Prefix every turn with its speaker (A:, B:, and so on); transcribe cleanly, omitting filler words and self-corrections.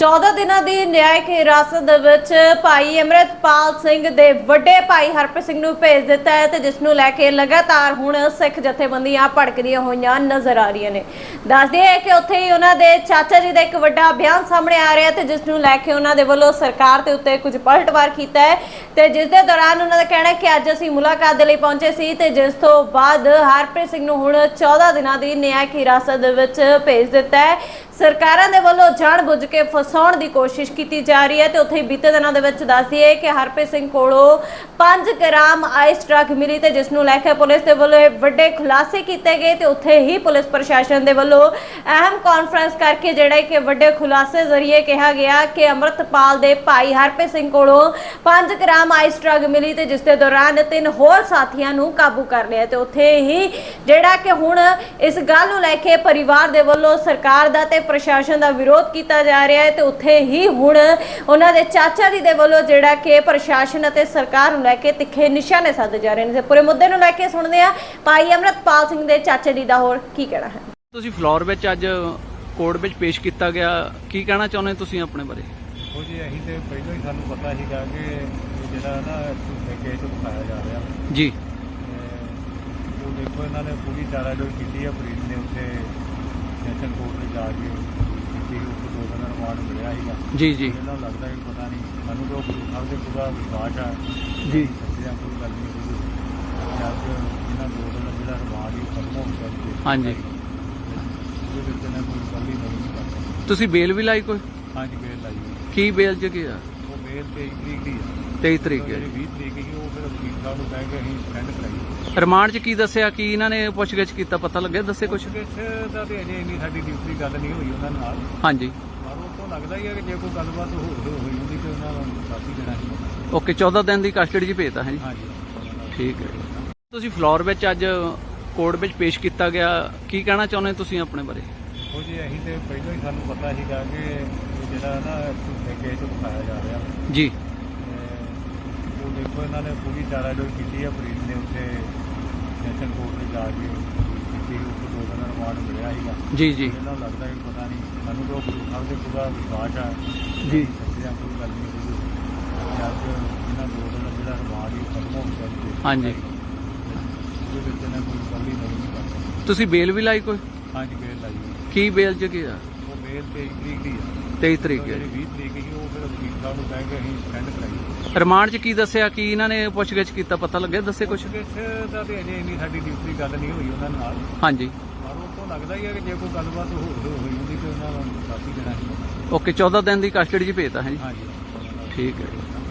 A: 14 ਦਿਨਾਂ ਦੀ ਨਿਆਇਕ ਹਿਰਾਸਤ ਦੇ ਵਿੱਚ ਭਾਈ ਅਮਰਿਤਪਾਲ ਸਿੰਘ ਦੇ ਵੱਡੇ ਭਾਈ ਹਰਪ੍ਰੀਤ ਸਿੰਘ ਨੂੰ ਭੇਜ ਦਿੱਤਾ ਹੈ ਤੇ ਜਿਸ ਨੂੰ ਲੈ ਕੇ ਲਗਾਤਾਰ ਹੁਣ ਸਿੱਖ ਜਥੇਬੰਦੀਆਂ ਭੜਕਦੀਆਂ ਹੋਈਆਂ ਨਜ਼ਰ ਆ ਰਹੀਆਂ ਨੇ। ਦੱਸਦੇ ਹੈ ਕਿ ਉੱਥੇ ਹੀ ਉਹਨਾਂ ਦੇ ਚਾਚਾ ਜੀ ਦਾ ਇੱਕ ਵੱਡਾ ਬਿਆਨ ਸਾਹਮਣੇ ਆ ਰਿਹਾ ਤੇ ਜਿਸ ਨੂੰ ਲੈ ਕੇ ਉਹਨਾਂ ਦੇ ਵੱਲੋਂ ਸਰਕਾਰ ਦੇ ਉੱਤੇ ਕੁਝ ਪਲਟਵਾਰ ਕੀਤਾ ਹੈ ਤੇ ਜਿਸ ਦੇ ਦੌਰਾਨ ਉਹਨਾਂ ਦਾ ਕਹਿਣਾ ਹੈ ਕਿ ਅੱਜ ਅਸੀਂ ਮੁਲਾਕਾਤ ਦੇ ਲਈ ਪਹੁੰਚੇ ਸੀ ਤੇ ਜਿਸ ਤੋਂ ਬਾਅਦ ਹਰਪ੍ਰੀਤ ਸਿੰਘ ਨੂੰ ਹੁਣ 14 ਦਿਨਾਂ ਦੀ ਨਿਆਇਕ ਹਿਰਾਸਤ ਦੇ ਵਿੱਚ ਭੇਜ ਦਿੱਤਾ ਹੈ। ਸਰਕਾਰਾਂ ਦੇ ਵੱਲੋਂ ਜਾਣ-ਬੁੱਝ ਕੇ ਫਸਾਉਣ ਦੀ ਕੋਸ਼ਿਸ਼ ਕੀਤੀ ਜਾ ਰਹੀ ਹੈ ਤੇ ਉੱਥੇ ਬੀਤੇ ਦਿਨਾਂ ਦੇ ਵਿੱਚ ਦੱਸਦੀ ਹੈ ਕਿ ਹਰਪ੍ਰੀਤ ਸਿੰਘ ਕੋਲੋਂ 5 ਗ੍ਰਾਮ ਆਈਸ ਡਰੱਗ ਮਿਲੀ ਤੇ ਜਿਸ ਨੂੰ ਲੈ ਕੇ ਪੁਲਿਸ ਦੇ ਵੱਲੋਂ ਵੱਡੇ ਖੁਲਾਸੇ ਕੀਤੇ ਗਏ ਤੇ ਉੱਥੇ ਹੀ ਪੁਲਿਸ ਪ੍ਰਸ਼ਾਸਨ ਦੇ ਵੱਲੋਂ ਅਹਿਮ ਕਾਨਫਰੰਸ ਕਰਕੇ ਜਿਹੜਾ ਕਿ ਵੱਡੇ ਖੁਲਾਸੇ ਜ਼ਰੀਏ ਕਿਹਾ ਗਿਆ ਕਿ ਅਮਰਿਤਪਾਲ ਦੇ ਭਾਈ ਹਰਪ੍ਰੀਤ ਸਿੰਘ ਕੋਲੋਂ 5 ਗ੍ਰਾਮ ਆਈਸ ਡਰੱਗ ਮਿਲੀ ਤੇ ਜਿਸ ਦੇ ਦੌਰਾਨ 3 ਹੋਰ ਸਾਥੀਆਂ ਨੂੰ ਕਾਬੂ ਕਰ ਲਿਆ ਤੇ ਉੱਥੇ ਹੀ ਜਿਹੜਾ ਕਿ ਹੁਣ ਇਸ ਗੱਲ ਨੂੰ ਲੈ ਕੇ ਪਰਿਵਾਰ ਦੇ ਵੱਲੋਂ ਸਰਕਾਰ ਦਾ ਤੇ ਪ੍ਰਸ਼ਾਸਨ ਦਾ ਵਿਰੋਧ ਕੀਤਾ ਜਾ ਰਿਹਾ ਹੈ ਤੇ ਉੱਥੇ ਹੀ ਹੁਣ ਉਹਨਾਂ ਦੇ ਚਾਚਾ ਜੀ ਦੇ ਵੱਲੋਂ ਜਿਹੜਾ ਕਿ ਪ੍ਰਸ਼ਾਸਨ ਅਤੇ ਸਰਕਾਰ ਨੂੰ ਲੈ ਕੇ ਤਿੱਖੇ ਨਿਸ਼ਾਨੇ ਸਾਧੇ ਜਾ ਰਹੇ ਨੇ ਤੇ ਪੂਰੇ ਮੁੱਦੇ ਨੂੰ ਲੈ ਕੇ ਸੁਣਦੇ ਆ ਭਾਈ ਅਮਰਿਤਪਾਲ ਸਿੰਘ ਦੇ ਚਾਚਾ ਜੀ ਦਾ ਹੋਰ ਕੀ ਕਹਿਣਾ ਹੈ।
B: ਤੁਸੀਂ ਫਲੋਰ ਵਿੱਚ ਅੱਜ ਕੋਰਟ ਵਿੱਚ ਪੇਸ਼ ਕੀਤਾ ਗਿਆ, ਕੀ ਕਹਿਣਾ ਚਾਹੁੰਦੇ ਤੁਸੀਂ ਆਪਣੇ ਬਾਰੇ?
C: ਉਹ ਜੀ ਅਸੀਂ ਤੇ ਪਹਿਲਾਂ ਹੀ ਸਾਨੂੰ ਪਤਾ ਸੀਗਾ ਕਿ ਜਿਹੜਾ ਨਾ ਕੇਸ ਉਠਾਇਆ ਜਾ ਰਿਹਾ
B: ਜੀ।
C: ਉਹ ਦੇਖੋ ਇਹਨਾਂ ਨੇ ਪੂਰੀ ਚਾਰਾਜੋਈ ਕੀਤੀ ਹੈ। ਫਰੀਦ ਨੇ ਉੱਥੇ ਸੈਸ਼ਨ ਕੋਰਟ ਵਿੱਚ ਜਾ ਕੇ ਕੀਤੀ, ਉੱਥੇ 2 ਦਿਨ ਰਿਮਾਂਡ ਮਿਲਿਆ ਸੀਗਾ
B: ਜੀ ਜੀ।
C: ਇਹਨਾਂ ਨੂੰ ਲੱਗਦਾ ਕਿ ਪਤਾ ਨਹੀਂ, ਸਾਨੂੰ ਤਾਂ ਗੁਰੂ ਸਾਹਿਬ ਦੇ ਪੂਰਾ ਵਿਸ਼ਵਾਸ ਆ
B: ਜੀ।
C: ਸੱਚਿਆ ਕੋਈ ਗੱਲ ਨਹੀਂ ਹੋਈ। ਅੱਜ ਇਹਨਾਂ 2 ਦਿਨ ਜਿਹੜਾ ਰਿਮਾਂਡ ਹੀ ਖਤਮ ਹੋ ਗਿਆ।
B: ਹਾਂਜੀ।
C: ਉਹਦੇ ਵਿੱਚ ਇਹਨਾਂ ਕੋਈ ਗੱਲ ਹੀ ਨਹੀਂ ਕਰਦਾ।
B: ਤੁਸੀਂ ਬੇਲ ਵੀ ਲਾਈ ਕੋਈ?
C: ਹਾਂਜੀ ਬੇਲ ਲਾਈ ਹੋਈ।
B: ਕੀ ਬੇਲ ਚ ਕੀ ਆ?
C: ਉਹ ਬੇਲ 23 ਤਰੀਕ ਦੀ ਆ।
B: 23 ਤਰੀਕ ਹੈ।
C: ਜਿਹੜੀ 20 ਤਰੀਕ ਸੀ ਉਹ ਫਿਰ ਵਕੀਲ ਸਾਹਿਬ ਨੂੰ ਕਹਿ ਕੇ ਅਸੀਂ ਸੈਂਡ ਕਰਾਈ।
B: ਰਿਮਾਂਡ ਚ ਕੀ ਦੱਸਿਆ, ਕੀ ਇਹਨਾਂ ਨੇ ਪੁੱਛਗਿੱਛ ਕੀਤਾ, ਪਤਾ ਲੱਗਿਆ? ਦੱਸੇ ਕੁਛ?
C: ਪੁੱਛਗਿੱਛ ਦਾ ਤੇ ਅਜੇ ਇੰਨੀ ਸਾਡੀ ਡਿਊਟੀ ਗੱਲ ਨਹੀਂ ਹੋਈ ਉਹਨਾਂ ਨਾਲ,
B: ਹਾਂਜੀ।
C: ਪਰ ਉਹ ਤੋਂ ਲੱਗਦਾ ਹੀ ਹੈ ਕਿ ਜੇ ਕੋਈ ਗੱਲਬਾਤ ਹੋਈ ਹੁੰਦੀ ਤੇ ਉਹਨਾਂ ਨੂੰ ਸਾਥੀ ਦੇਣਾ ਸੀ।
B: ਓਕੇ, 14 ਦਿਨ ਦੀ ਕਸਟਡੀ ਚ ਭੇਜਤਾ ਹੈ ਜੀ।
C: ਹਾਂਜੀ
B: ਠੀਕ ਹੈ। ਤੁਸੀਂ ਫਲੋਰ ਵਿੱਚ ਅੱਜ ਕੋਰਟ ਵਿੱਚ ਪੇਸ਼ ਕੀਤਾ ਗਿਆ, ਕੀ ਕਹਿਣਾ ਚਾਹੁੰਦੇ ਤੁਸੀਂ ਆਪਣੇ ਬਾਰੇ?
C: ਉਹ ਜੀ ਅਸੀਂ ਤੇ ਪਹਿਲਾਂ ਹੀ ਸਾਨੂੰ ਪਤਾ ਸੀਗਾ ਕਿ ਜਿਹੜਾ ਨਾ ਕੇਸ ਉਠਾਇਆ ਜਾ ਰਿਹਾ
B: ਜੀ।
C: ਉਹ ਦੇਖੋ ਇਹਨਾਂ ਨੇ ਪੂਰੀ ਚਾਰਾਜੋਈ ਕੀਤੀ ਹੈ। ਫਰੀਦ ਨੇ ਉੱਥੇ ਸੈਸ਼ਨ ਕੋਰਟ ਵਿੱਚ ਜਾ ਕੇ ਕੀਤੀ, ਉੱਥੇ 2 ਦਿਨ ਰਿਮਾਂਡ ਮਿਲਿਆ ਸੀਗਾ
B: ਜੀ ਜੀ।
C: ਇਹਨਾਂ ਨੂੰ ਲੱਗਦਾ ਕਿ ਪਤਾ ਨਹੀਂ, ਸਾਨੂੰ ਤਾਂ ਗੁਰੂ ਸਾਹਿਬ ਦੇ ਪੂਰਾ ਵਿਸ਼ਵਾਸ ਆ
B: ਜੀ।
C: ਸੱਚਿਆ ਕੋਈ ਗੱਲ ਨਹੀਂ ਹੋਈ। ਅੱਜ ਇਹਨਾਂ 2 ਦਿਨ ਜਿਹੜਾ ਰਿਮਾਂਡ ਹੀ ਖਤਮ ਹੋ ਗਿਆ।
B: ਹਾਂਜੀ।
C: ਉਹਦੇ ਵਿੱਚ ਇਹਨਾਂ ਕੋਈ ਗੱਲ ਹੀ ਨਹੀਂ ਕਰਦਾ।
B: ਤੁਸੀਂ ਬੇਲ ਵੀ ਲਾਈ ਕੋਈ?
C: ਹਾਂਜੀ ਬੇਲ ਲਾਈ ਹੋਈ।
B: ਕੀ ਬੇਲ ਚ ਕੀ ਆ?
C: ਉਹ ਬੇਲ 23 ਤਰੀਕ ਦੀ ਆ।
B: 23 ਤਰੀਕ ਹੈ।
C: ਜਿਹੜੀ 20 ਤਰੀਕ ਸੀ ਉਹ ਫਿਰ ਵਕੀਲ ਸਾਹਿਬ ਨੂੰ ਕਹਿ ਕੇ ਅਸੀਂ ਸੈਂਡ ਕਰਾਈ।
B: ਰਿਮਾਂਡ ਚ ਕੀ ਦੱਸਿਆ, ਕੀ ਇਹਨਾਂ ਨੇ ਪੁੱਛਗਿੱਛ ਕੀਤਾ, ਪਤਾ ਲੱਗਿਆ? ਦੱਸੇ ਕੁਛ?
C: ਪੁੱਛਗਿੱਛ ਦਾ ਤੇ ਅਜੇ ਇੰਨੀ ਸਾਡੀ ਡਿਊਟੀ ਗੱਲ ਨਹੀਂ ਹੋਈ ਉਹਨਾਂ ਨਾਲ,
B: ਹਾਂਜੀ।
C: ਪਰ ਉਹ ਤੋਂ ਲੱਗਦਾ ਹੀ ਹੈ ਕਿ ਜੇ ਕੋਈ ਗੱਲਬਾਤ ਹੋਈ ਹੁੰਦੀ ਤੇ ਉਹਨਾਂ ਨੂੰ ਸਾਥੀ ਦੇਣਾ ਸੀ।
B: ਓਕੇ, 14 ਦਿਨ ਦੀ ਕਸਟਡੀ ਚ ਭੇਜਤਾ ਹੈ ਜੀ।
C: ਹਾਂਜੀ।
B: ਠੀਕ ਹੈ।